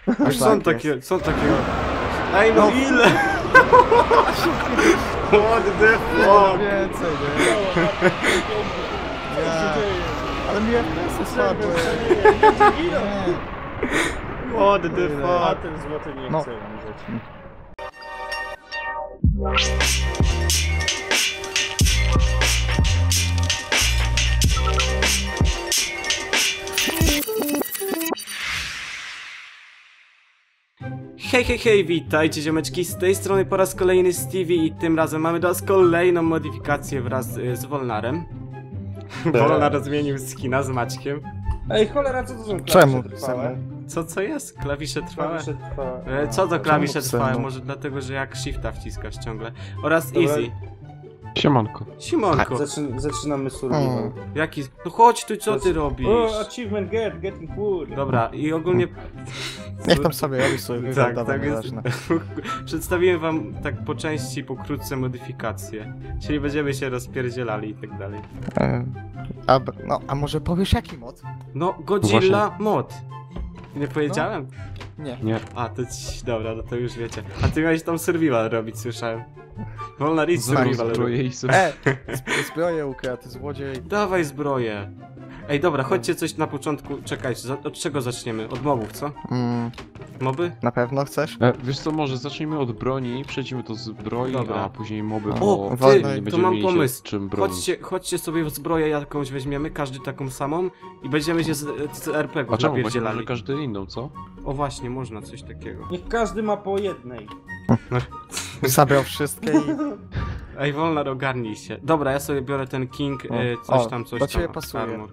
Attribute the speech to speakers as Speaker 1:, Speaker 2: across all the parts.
Speaker 1: Już są takie, Ej no ile? What the fuck?
Speaker 2: Więcej, nie? Ja. Ale mi FPS spadły.
Speaker 1: What the
Speaker 3: A
Speaker 1: fuck?
Speaker 3: ten złoty nie
Speaker 2: No.
Speaker 3: chce umrzeć.
Speaker 1: Hej, hej, hej, witajcie ziomeczki, z tej strony po raz kolejny Stevie i tym razem mamy do nas kolejną modyfikację wraz z Wolnarem. Wolnar zmienił skina z Maćkiem.
Speaker 3: Ej, cholera, co to są klawisze
Speaker 2: Czemu?
Speaker 3: trwałe?
Speaker 1: Co jest? Klawisze trwałe?
Speaker 3: Klawisze trwałe.
Speaker 1: Co to klawisze
Speaker 2: czemu
Speaker 1: trwałe?
Speaker 2: psem?
Speaker 1: Może dlatego, że jak shifta wciskasz ciągle. Oraz
Speaker 3: Dobra.
Speaker 1: easy.
Speaker 4: Siemanko.
Speaker 1: Simonko,
Speaker 3: Zaczynamy survival.
Speaker 1: jaki... No chodź tu, co ty robisz?
Speaker 3: O, achievement getting wood.
Speaker 1: Dobra, i ogólnie...
Speaker 2: Niech tam sobie robi sobie
Speaker 1: Tak,
Speaker 2: wygląda,
Speaker 1: tak jest.
Speaker 2: nieważne.
Speaker 1: Przedstawiłem wam tak po części, pokrótce modyfikacje. Czyli będziemy się rozpierdzielali i tak dalej.
Speaker 2: A może powiesz jaki mod?
Speaker 1: No, Godzilla mod. Nie powiedziałem?
Speaker 2: Nie.
Speaker 4: Nie.
Speaker 1: A, to dobra, no to już wiecie. A ty miałeś tam survival robić, słyszałem. Wolna idź
Speaker 4: Zaraz
Speaker 1: survival
Speaker 4: zbroję
Speaker 1: robić.
Speaker 4: i sobie...
Speaker 2: Zbroję ukradł, złodziej.
Speaker 1: Dawaj zbroję. Ej, dobra, chodźcie coś na początku. Czekajcie, od czego zaczniemy? Od mobów, co? Moby?
Speaker 2: Na pewno chcesz?
Speaker 4: Wiesz co, może zacznijmy od broni, przejdziemy do zbroi,
Speaker 1: Dobra.
Speaker 4: a później moby,
Speaker 2: O,
Speaker 4: bo
Speaker 2: ty,
Speaker 4: nie
Speaker 1: to
Speaker 4: będziemy
Speaker 1: mam
Speaker 4: mieli się
Speaker 1: pomysł.
Speaker 4: czym bronić.
Speaker 1: Chodźcie sobie w zbroję jakąś weźmiemy, każdy taką samą i będziemy się z RPG
Speaker 4: A czemu? Właśnie
Speaker 1: napierdzielali.
Speaker 4: może każdy inną, co?
Speaker 1: O właśnie, można coś takiego.
Speaker 3: Niech każdy ma po jednej.
Speaker 2: Zabrał wszystkie i...
Speaker 1: Ej, Wolnar, ogarnij się. Dobra, ja sobie biorę ten King,
Speaker 2: O,
Speaker 1: coś tam,
Speaker 2: do ciebie
Speaker 1: tam.
Speaker 2: pasuje.
Speaker 1: Armor.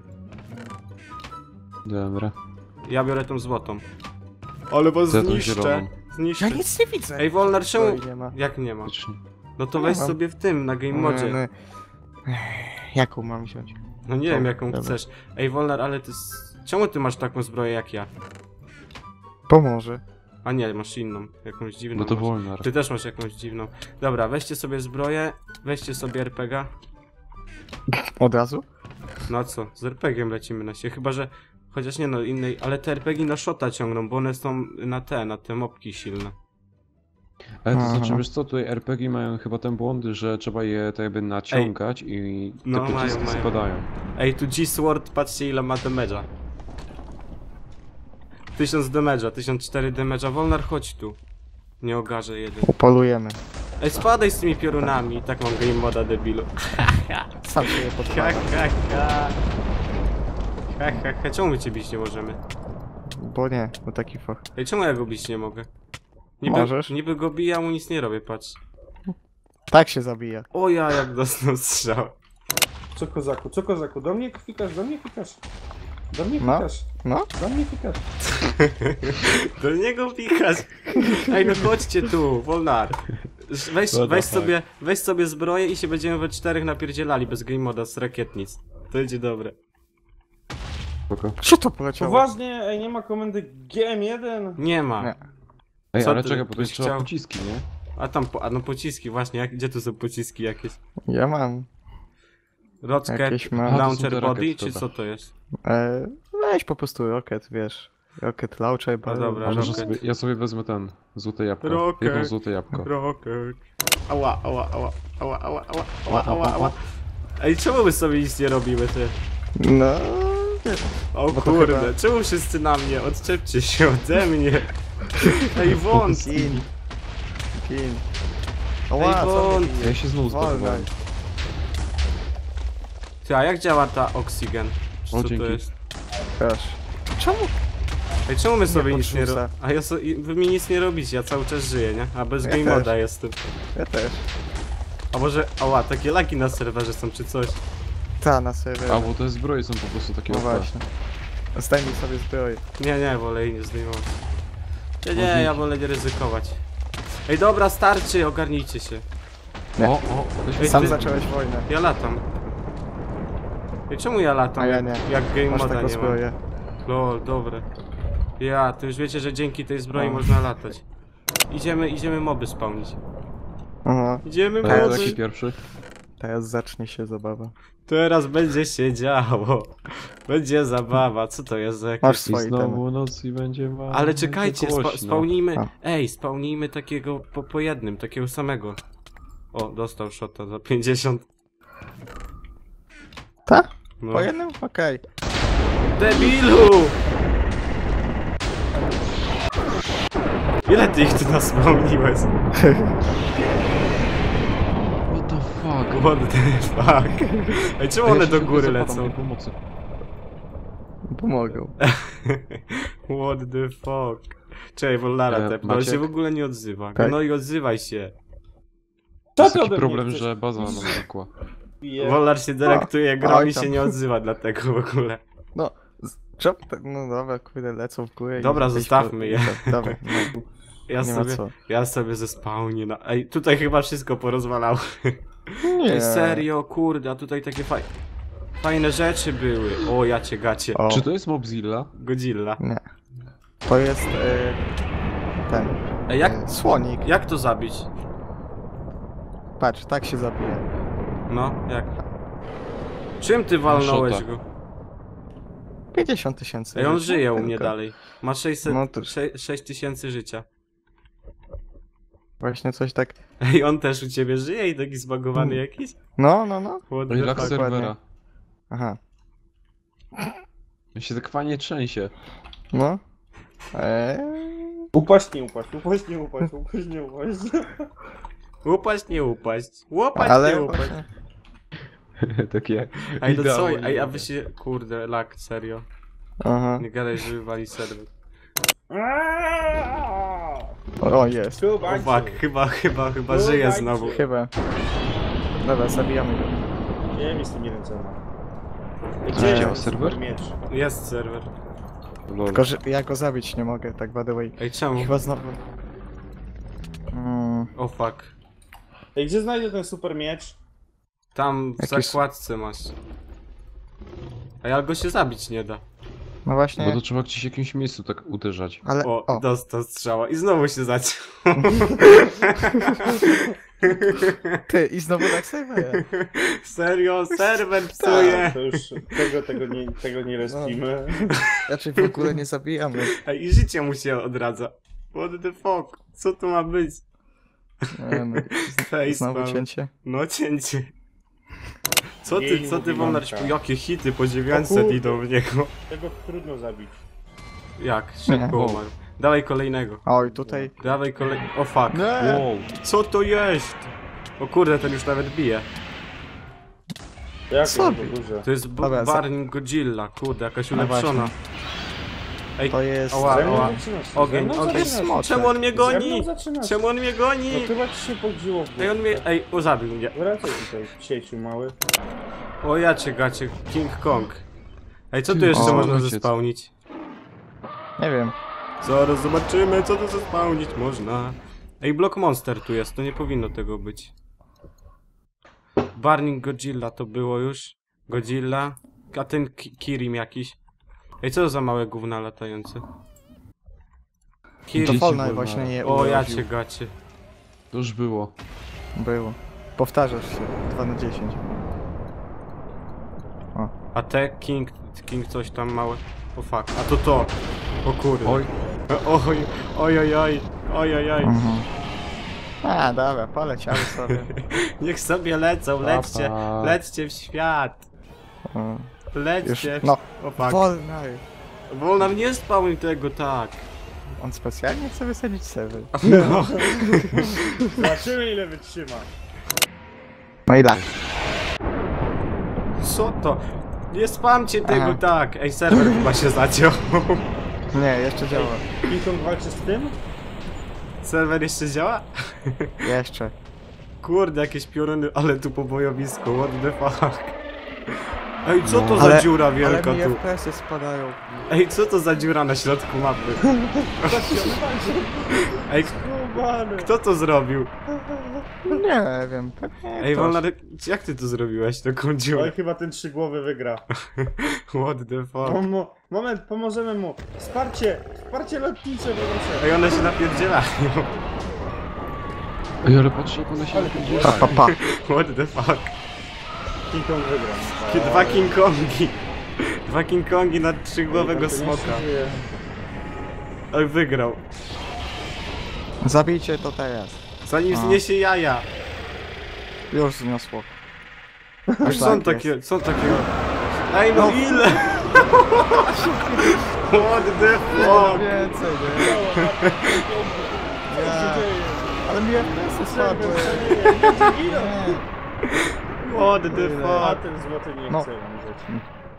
Speaker 4: Dobra.
Speaker 1: Ja biorę tą złotą. Ale was
Speaker 4: Ja tą
Speaker 1: zniszczę.
Speaker 4: zieloną.
Speaker 1: Zniszczę.
Speaker 2: Ja nic nie widzę.
Speaker 1: Ej, Wolnar, czemu...
Speaker 2: Zbroi nie ma.
Speaker 1: Jak nie ma?
Speaker 4: Faktycznie.
Speaker 1: No to
Speaker 2: Nie
Speaker 1: weź
Speaker 2: mam.
Speaker 1: sobie w tym, na game modzie.
Speaker 2: Jaką mam wziąć?
Speaker 1: No nie wiem jaką
Speaker 2: dobra.
Speaker 1: chcesz. Ej, Wolnar, ale ty... Czemu ty masz taką zbroję jak ja?
Speaker 2: Pomoże.
Speaker 1: A nie, masz inną. Jakąś dziwną.
Speaker 4: No to
Speaker 1: masz.
Speaker 4: Wolnar.
Speaker 1: Ty też masz jakąś dziwną. Dobra, weźcie sobie zbroję, weźcie sobie RPG.
Speaker 2: Od razu?
Speaker 1: No a co, z RPG-iem lecimy na się, chyba że... Chociaż nie no, innej, ale te RPG na shota ciągną, bo one są na te mopki silne.
Speaker 4: Ale to
Speaker 2: Aha.
Speaker 4: znaczy, wiesz co, tutaj RPG mają chyba ten błąd, że trzeba je tak jakby naciągać i te
Speaker 1: No, mają,
Speaker 4: pociski
Speaker 1: mają.
Speaker 4: spadają.
Speaker 1: Ej, tu G-Sword, patrzcie ile ma damage'a. 1000 damage'a, 1004 damage'a. Wolnar, chodź tu. Nie ogarzę jeden.
Speaker 2: Upolujemy.
Speaker 1: Ej, spadaj z tymi piorunami. Tak mam game moda, debilu.
Speaker 2: Sam się je
Speaker 1: Ha,
Speaker 2: podpalę.
Speaker 1: ha, ha. Ha, ha, ha. Czemu my cię bić nie możemy?
Speaker 2: Bo nie, bo taki fach.
Speaker 1: Ej, czemu ja go bić nie mogę?
Speaker 2: Możesz.
Speaker 1: Niby go biję, a mu nic nie robię, patrz.
Speaker 2: Tak się zabija.
Speaker 1: O ja, jak dostał strzał.
Speaker 3: Co kozaku, co kozaku? Do mnie fikasz, do mnie fikasz. Do mnie
Speaker 2: No.
Speaker 3: fikasz,
Speaker 2: No?
Speaker 3: do mnie fikasz.
Speaker 1: Do niego pikasz. Ej, no chodźcie tu, Wolnar. Weź sobie zbroję i się będziemy we czterech napierdzielali bez game moda z rakietnic. To będzie dobre.
Speaker 4: Spoko.
Speaker 2: Co to poleciało?
Speaker 3: Poważnie, ej, nie ma komendy GM1?
Speaker 1: Nie ma.
Speaker 2: Nie.
Speaker 4: Ej,
Speaker 1: Co
Speaker 4: ale
Speaker 1: ty
Speaker 4: czekaj, bo to
Speaker 1: byś
Speaker 4: jest trzeba
Speaker 1: chciał?
Speaker 4: pociski, nie?
Speaker 1: A tam, no pociski właśnie, gdzie tu są pociski jakieś?
Speaker 2: Ja mam.
Speaker 1: Rocket,
Speaker 2: Jakieś ma-
Speaker 4: A, to są
Speaker 1: launcher
Speaker 4: te
Speaker 1: body,
Speaker 4: rakiety,
Speaker 1: czy
Speaker 4: dobra.
Speaker 1: co to jest?
Speaker 2: Weź po prostu rocket, wiesz. Rocket launcher,
Speaker 1: A dobra,
Speaker 4: A może
Speaker 1: Rocket.
Speaker 4: sobie, ja sobie wezmę ten, złote jabłko.
Speaker 1: Rocket.
Speaker 4: Jedno złote jabłko.
Speaker 1: Rocket. Ała, ała, ała, ała, ała, ała, ała, ała, ała. Ej, czemu my sobie nic nie robimy, ty?
Speaker 2: No...
Speaker 1: O
Speaker 2: Bo to
Speaker 1: kurde,
Speaker 2: chyba-
Speaker 1: czemu wszyscy na mnie? Odczepcie się ode mnie. Ej, wąs!
Speaker 2: Kin. Kin.
Speaker 1: Ej,
Speaker 2: Oła, co
Speaker 1: wąt.
Speaker 2: mnie bije?
Speaker 4: Ja się znowu
Speaker 2: Wolno.
Speaker 4: zbudowałem.
Speaker 1: Ty, a jak działa ta oxygen? Czy
Speaker 4: O,
Speaker 1: co to
Speaker 4: dzięki.
Speaker 1: jest?
Speaker 2: Proszę. Czemu?
Speaker 1: Ej, czemu my sobie
Speaker 2: Nie
Speaker 1: nic nie
Speaker 2: podrzuca.
Speaker 1: robimy? A wy mi nic nie robicie, ja cały czas żyję, nie? A bez
Speaker 2: Ja
Speaker 1: game
Speaker 2: też.
Speaker 1: moda jestem.
Speaker 2: Ja też.
Speaker 1: A może, ała, takie laki na serwerze są czy coś?
Speaker 2: Ta, na serwerze.
Speaker 4: A, bo te zbroje są po prostu takie
Speaker 2: No
Speaker 4: OP.
Speaker 2: właśnie. Zdejmij sobie zbroję.
Speaker 1: Nie, wolę jej nie zdejmować. Nie,
Speaker 4: Dzięki.
Speaker 1: ja wolę nie ryzykować. Ej, dobra, starczy, ogarnijcie się.
Speaker 2: Nie.
Speaker 4: O, weź
Speaker 1: Ej,
Speaker 2: Sam
Speaker 1: ty-
Speaker 2: zacząłeś wojnę.
Speaker 1: Ja latam. Ej, czemu ja latam?
Speaker 2: A ja nie.
Speaker 1: Jak game
Speaker 2: Masz
Speaker 1: moda
Speaker 2: taką
Speaker 1: nie ma.
Speaker 2: zbroję.
Speaker 1: Lol, dobre. Ja, to już wiecie, że dzięki tej zbroi
Speaker 2: No.
Speaker 1: można latać. Idziemy moby spełnić.
Speaker 2: Aha.
Speaker 1: Idziemy
Speaker 4: A
Speaker 1: moby.
Speaker 4: jaki pierwszy?
Speaker 2: teraz zacznie się zabawa.
Speaker 1: Teraz będzie się działo. Będzie zabawa. Co to jest za
Speaker 2: Masz
Speaker 1: jakieś...
Speaker 4: I
Speaker 2: swoje itemy.
Speaker 4: znowu noc i będzie wam.
Speaker 1: Ale czekajcie, spełnijmy...
Speaker 2: A.
Speaker 1: Ej, spełnijmy takiego po jednym, takiego samego. O, dostał shota za 50.
Speaker 2: Tak?
Speaker 1: No.
Speaker 2: Po jednym? Okej.
Speaker 1: Debilu! Ile ty ich tu naspełniłeś?
Speaker 4: What the fuck?
Speaker 1: What the fuck? Ej, czemu one do góry
Speaker 4: Zapadam,
Speaker 1: lecą?
Speaker 4: nie pomocy.
Speaker 2: Pomogą.
Speaker 1: What the fuck? Czekaj, Wolnara tepnę, ale
Speaker 4: Maciek?
Speaker 1: się w ogóle nie odzywa.
Speaker 2: Tak.
Speaker 1: No i odzywaj się.
Speaker 4: To
Speaker 3: Co
Speaker 4: jest
Speaker 3: ty
Speaker 4: taki
Speaker 3: ode mnie
Speaker 4: problem,
Speaker 3: chcesz?
Speaker 4: że baza nam znikła.
Speaker 1: Wolnar się delektuje grą
Speaker 2: Oj
Speaker 1: i się
Speaker 2: tam.
Speaker 1: nie odzywa dlatego w ogóle.
Speaker 2: No, czemu tak? No dobra, kurde, lecą w górę. i
Speaker 1: Dobra,
Speaker 2: gdzieś
Speaker 1: zostawmy je.
Speaker 2: Dobra, no,
Speaker 1: Ja
Speaker 2: nie ma
Speaker 1: sobie,
Speaker 2: co.
Speaker 1: ja sobie zespałnię na... Ej, tutaj chyba wszystko porozwalało.
Speaker 2: Nie.
Speaker 1: Ej, serio, kurde, a tutaj takie fajne rzeczy były. O, ja cię gacie.
Speaker 2: O,
Speaker 4: Czy to jest Mobzilla?
Speaker 1: Godzilla.
Speaker 2: nie. To jest ten.
Speaker 1: Ej, jak,
Speaker 2: Słonik.
Speaker 1: jak to zabić?
Speaker 2: Patrz, tak się zabija.
Speaker 1: No, jak? Czym ty walnąłeś
Speaker 4: Shota.
Speaker 1: go?
Speaker 2: 50 tysięcy.
Speaker 1: Ej, on żyje u mnie dalej. Ma
Speaker 2: No to-
Speaker 1: 6000 życia.
Speaker 2: Właśnie coś tak.
Speaker 1: Ej, on też u ciebie żyje i taki zbagowany jakiś?
Speaker 2: No, no, no.
Speaker 1: What
Speaker 4: Ej,
Speaker 1: the
Speaker 4: lag
Speaker 1: fuck?
Speaker 4: serwera.
Speaker 2: Aha.
Speaker 4: Ja się tak fajnie trzęsie.
Speaker 2: No.
Speaker 3: Upaść, nie upaść, upaść, nie upaść, upaść, nie upaść.
Speaker 1: Upaść, nie upaść. Łopać,
Speaker 2: Ale
Speaker 1: nie upaść.
Speaker 2: właśnie,
Speaker 4: Takie.
Speaker 1: Ej, to co?
Speaker 4: idealnie.
Speaker 1: Ej, a wy się... Kurde, lag, serio.
Speaker 2: aha.
Speaker 1: Nie gadaj, że wywali serwer.
Speaker 2: O, jest.
Speaker 1: O fuck, chyba żyje znowu.
Speaker 2: Chyba. Dobra, zabijamy go.
Speaker 3: Nie wiem, jest nie wiem co ma.
Speaker 2: Gdzie
Speaker 3: jest
Speaker 4: jest serwer?
Speaker 3: Miecz.
Speaker 1: Jest serwer.
Speaker 4: Lol.
Speaker 2: Tylko, że ja go zabić nie mogę, tak by the way.
Speaker 1: Ej, czemu?
Speaker 2: Chyba znowu.
Speaker 1: O fuck.
Speaker 3: Ej, gdzie znajdę ten super miecz?
Speaker 1: Tam w
Speaker 2: Jakiś-
Speaker 1: zakładce masz. Ej, ale go się zabić nie da.
Speaker 2: No
Speaker 4: Bo
Speaker 2: właśnie,
Speaker 4: to trzeba gdzieś w jakimś miejscu tak uderzać.
Speaker 2: ale.
Speaker 1: O,
Speaker 2: O,
Speaker 1: dostał strzała i znowu się zaciął.
Speaker 2: ty, i znowu tak serwer.
Speaker 1: Serio, serwer psuje.
Speaker 3: To już tego nie respimy.
Speaker 2: Raczej w ogóle nie zabijamy.
Speaker 1: Ej, i życie mu się odradza. What the fuck? Co to ma być?
Speaker 2: Nie wiem, znowu
Speaker 1: Facepalm.
Speaker 2: cięcie.
Speaker 1: No cięcie. Co ty,
Speaker 3: Jej,
Speaker 1: co ty
Speaker 3: mówi
Speaker 1: Wolnar?
Speaker 3: Mamka.
Speaker 1: Jakie hity po 900
Speaker 3: O kurde.
Speaker 1: idą w niego.
Speaker 3: Tego trudno zabić.
Speaker 1: Jak? Szybko
Speaker 2: Nie.
Speaker 1: umarł. Dawaj kolejnego.
Speaker 2: Oj, tutaj.
Speaker 1: Dawaj O fuck.
Speaker 2: Nie.
Speaker 4: Wow.
Speaker 1: Co to jest? O kurde, ten już nawet bije.
Speaker 3: Jak
Speaker 2: Co
Speaker 3: to
Speaker 2: robi?
Speaker 3: duże?
Speaker 1: To jest
Speaker 2: Dobra,
Speaker 1: Barning Godzilla, kurde, jakaś
Speaker 2: No
Speaker 1: ulepszona. Ej,
Speaker 2: To jest.
Speaker 1: Ała,
Speaker 3: Ze mną
Speaker 1: ała.
Speaker 3: zaczynasz, ze
Speaker 1: Ogień,
Speaker 3: mną
Speaker 1: ogień.
Speaker 3: zaczynasz.
Speaker 2: Smoczek.
Speaker 1: Czemu on mnie
Speaker 3: Ze mną
Speaker 1: goni?
Speaker 3: zaczynasz.
Speaker 1: Czemu on mnie
Speaker 3: No
Speaker 1: goni?
Speaker 3: chyba ci się podziło w
Speaker 1: Ej, on mnie... Ej, zabił mnie.
Speaker 3: Wracaj tutaj, sieciu mały.
Speaker 1: O ja cię gacie, King Kong. Ej, co tu jeszcze
Speaker 2: O,
Speaker 1: można
Speaker 4: ojciec.
Speaker 1: zespałnić?
Speaker 2: Nie wiem.
Speaker 1: Zaraz zobaczymy, co tu zespałnić można. Ej, Block Monster tu jest, to nie powinno tego być. Burning Godzilla to było już. Godzilla. A ten Kirim jakiś. Ej, co to za małe gówna latające?
Speaker 2: To
Speaker 1: Kirim.
Speaker 2: Fortnite
Speaker 4: wolno.
Speaker 2: właśnie nie
Speaker 1: O, ja
Speaker 2: urodził.
Speaker 1: cię gacie.
Speaker 4: To już było.
Speaker 2: Było. Powtarzasz się. 2 na 10.
Speaker 1: A te King coś tam małe. O fuck, a to to. O kurde.
Speaker 4: Oj.
Speaker 1: Oj, oj, oj, oj, oj, oj, oj.
Speaker 2: Mhm. A, dobra, poleciały sobie.
Speaker 1: Niech sobie lecą, lećcie,
Speaker 4: Papa.
Speaker 1: lećcie w świat.
Speaker 2: O, już.
Speaker 1: Lećcie.
Speaker 2: No,
Speaker 1: O fuck.
Speaker 2: Fortnite.
Speaker 1: Wolnar nie spał tego tak.
Speaker 2: On specjalnie chce wysadzić serwer.
Speaker 1: No.
Speaker 3: Zobaczymy ile wytrzyma.
Speaker 2: No i tak.
Speaker 1: Co to? Nie spamcie tego
Speaker 2: Aha.
Speaker 1: tak. Ej, serwer chyba się zaciął.
Speaker 2: Nie, jeszcze działa.
Speaker 3: King Kong walczy z tym?
Speaker 1: Serwer jeszcze działa?
Speaker 2: Jeszcze.
Speaker 1: Kurde, jakieś pioruny, ale tu po bojowisku, what the fuck. Ej, co to za
Speaker 2: Ale-
Speaker 1: dziura
Speaker 2: Ale
Speaker 1: wielka
Speaker 2: mi
Speaker 1: tu?
Speaker 2: FPS-y spadają.
Speaker 1: Ej, co to za dziura na środku mapy? Ej,
Speaker 3: Skubany.
Speaker 1: kto to zrobił?
Speaker 2: Nie wiem, pewnie
Speaker 1: Ej,
Speaker 2: ktoś.
Speaker 1: Wolnar, jak ty to zrobiłeś, taką
Speaker 3: Oj,
Speaker 1: dziurę?
Speaker 3: chyba ten trzygłowy wygra.
Speaker 1: What the fuck?
Speaker 3: Moment, pomożemy mu. Wsparcie! Wsparcie lotnicze, proszę.
Speaker 1: Ej, one się napierdzielają.
Speaker 4: Ej, ale patrz jak one się
Speaker 3: Ale-
Speaker 2: Pa,
Speaker 4: napierdzielają.
Speaker 2: pa, pa.
Speaker 1: What the fuck?
Speaker 3: King Kong wygrał.
Speaker 1: Dwa King Kongi. Dwa King Kongi na trzygłowego smoka. Oj, wygrał.
Speaker 2: Zabijcie to teraz.
Speaker 1: Zanim
Speaker 2: A.
Speaker 1: zniesie jaja.
Speaker 2: Już zniosło.
Speaker 1: Już są
Speaker 2: tak
Speaker 1: takie, są takie. Ej, no ile? What the fuck?
Speaker 2: Więcej, nie? Nie. Ale mi FPS spadły. Nie.
Speaker 1: What the
Speaker 3: A
Speaker 1: fuck?
Speaker 3: ten złoty nie
Speaker 2: No.
Speaker 3: chce umrzeć.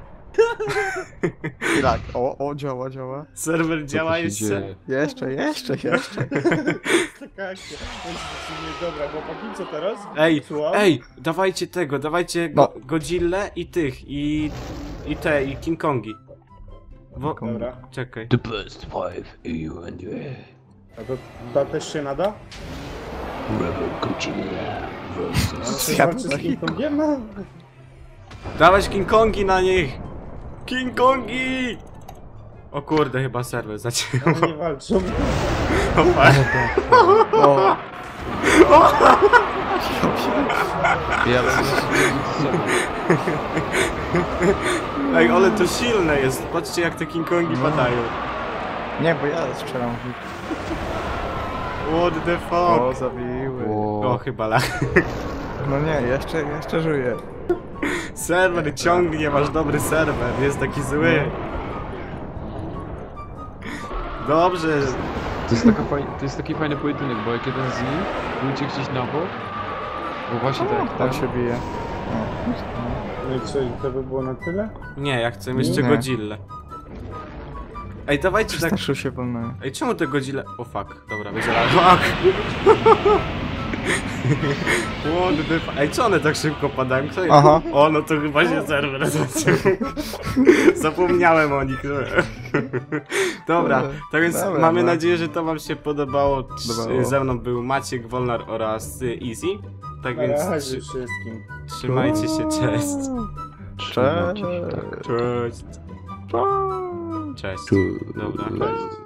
Speaker 2: I tak, o, działa, działa.
Speaker 1: Serwer działa
Speaker 4: Co tu się
Speaker 1: jeszcze?
Speaker 4: dzieje?
Speaker 2: Jeszcze.
Speaker 3: Taka akcja. Dobra, chłopaki, co teraz?
Speaker 1: Ej,
Speaker 3: Słucham?
Speaker 1: ej, dawajcie tego, dawajcie
Speaker 2: No.
Speaker 1: Godzillę i tych, i King Kongi.
Speaker 3: Dobra.
Speaker 1: Czekaj.
Speaker 4: The best five you and you.
Speaker 3: A to też się nada?
Speaker 4: Rebel Godzilla versus...
Speaker 2: Ja
Speaker 3: Walczy z King Kongiem? No.
Speaker 1: Dawać King Kongi na nich! King Kongi! O kurde, chyba serwer zaciął.
Speaker 3: One nie walczą.
Speaker 2: O,
Speaker 4: Ja
Speaker 1: Ej, ale to silne jest. Patrzcie jak te King Kongi padają.
Speaker 2: nie, bo ja strzelam w nich.
Speaker 1: What the
Speaker 2: O,
Speaker 1: fuck?
Speaker 2: zabiły.
Speaker 1: O, chyba lach.
Speaker 2: No nie, jeszcze żyję.
Speaker 1: Serwer ciągnie, masz dobry serwer, nie jest taki zły. Dobrze.
Speaker 4: To jest taki fajny pojedynek, bo jak jeden z nich pójdzie gdzieś na bok, bo właśnie tak,
Speaker 2: Tam się bije.
Speaker 3: No i co, i to by było na tyle?
Speaker 1: Nie, ja chcę jeszcze
Speaker 2: Nie.
Speaker 1: Godzillę. Ej, dawajcie tak.
Speaker 2: Przestraszył się wolno.
Speaker 1: Ej, czemu te Godzilla... O fuck, dobra, będzie fuck. What the fuck? Ej, co one tak szybko padają? Kto je...
Speaker 2: Aha.
Speaker 1: O, no to chyba się serwer zaciął. Zapomniałem o nich. Dobra, tak więc
Speaker 2: Dobra,
Speaker 1: mamy
Speaker 2: no.
Speaker 1: nadzieję, że to wam się podobało.
Speaker 2: Podobało.
Speaker 1: Ze mną był Maciek, Wolnar oraz Easy. Tak
Speaker 3: Na
Speaker 1: więc
Speaker 3: razie wszystkim.
Speaker 1: trzymajcie się, cześć.
Speaker 4: trzymajcie się, tak.
Speaker 1: Cześć.
Speaker 2: Cześć.
Speaker 1: Cześć. Dobra.
Speaker 4: Cześć.